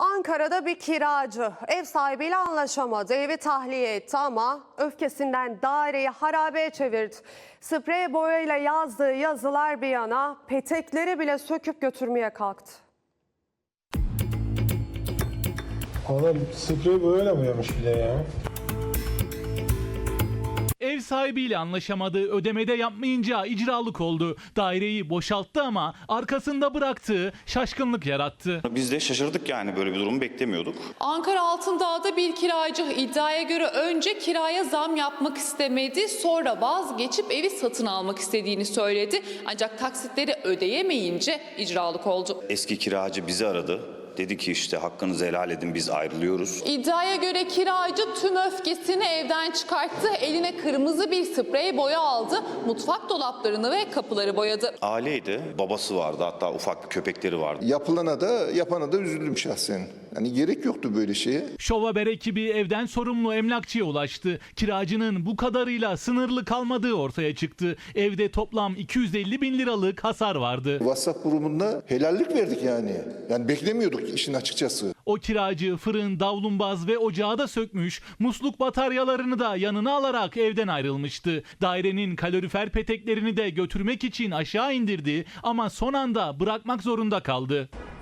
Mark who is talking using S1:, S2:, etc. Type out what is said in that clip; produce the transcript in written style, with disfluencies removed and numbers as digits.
S1: Ankara'da bir kiracı ev sahibiyle anlaşamadı. Evi tahliye etti ama öfkesinden daireyi harabeye çevirdi. Sprey boyayla yazdığı yazılar bir yana petekleri bile söküp götürmeye kalktı.
S2: Adam sprey boyayla boyamış bir de ya.
S3: Ev sahibiyle anlaşamadığı ödemede yapmayınca icralık oldu. Daireyi boşalttı ama arkasında bıraktığı şaşkınlık yarattı.
S4: Biz de şaşırdık, yani böyle bir durumu beklemiyorduk.
S5: Ankara Altındağ'da bir kiracı iddiaya göre önce kiraya zam yapmak istemedi, sonra vazgeçip evi satın almak istediğini söyledi. Ancak taksitleri ödeyemeyince icralık oldu.
S4: Eski kiracı bizi aradı. Dedi ki işte hakkınızı helal edin, biz ayrılıyoruz.
S5: İddiaya göre kiracı tüm öfkesini evden çıkarttı. Eline kırmızı bir sprey boya aldı. Mutfak dolaplarını ve kapıları boyadı.
S4: Aileydi, babası vardı, hatta ufak bir köpekleri vardı.
S6: Yapılana da yapana da üzüldüm şahsen. Yani gerek yoktu böyle şeye.
S3: Şov Haber ekibi evden sorumlu emlakçıya ulaştı. Kiracının bu kadarıyla sınırlı kalmadığı ortaya çıktı. Evde toplam 250 bin liralık hasar vardı.
S6: WhatsApp grubunda helallik verdik yani. Yani beklemiyorduk işin açıkçası.
S3: O kiracı fırın, davlumbaz ve ocağı da sökmüş, musluk bataryalarını da yanına alarak evden ayrılmıştı. Dairenin kalorifer peteklerini de götürmek için aşağı indirdi ama son anda bırakmak zorunda kaldı.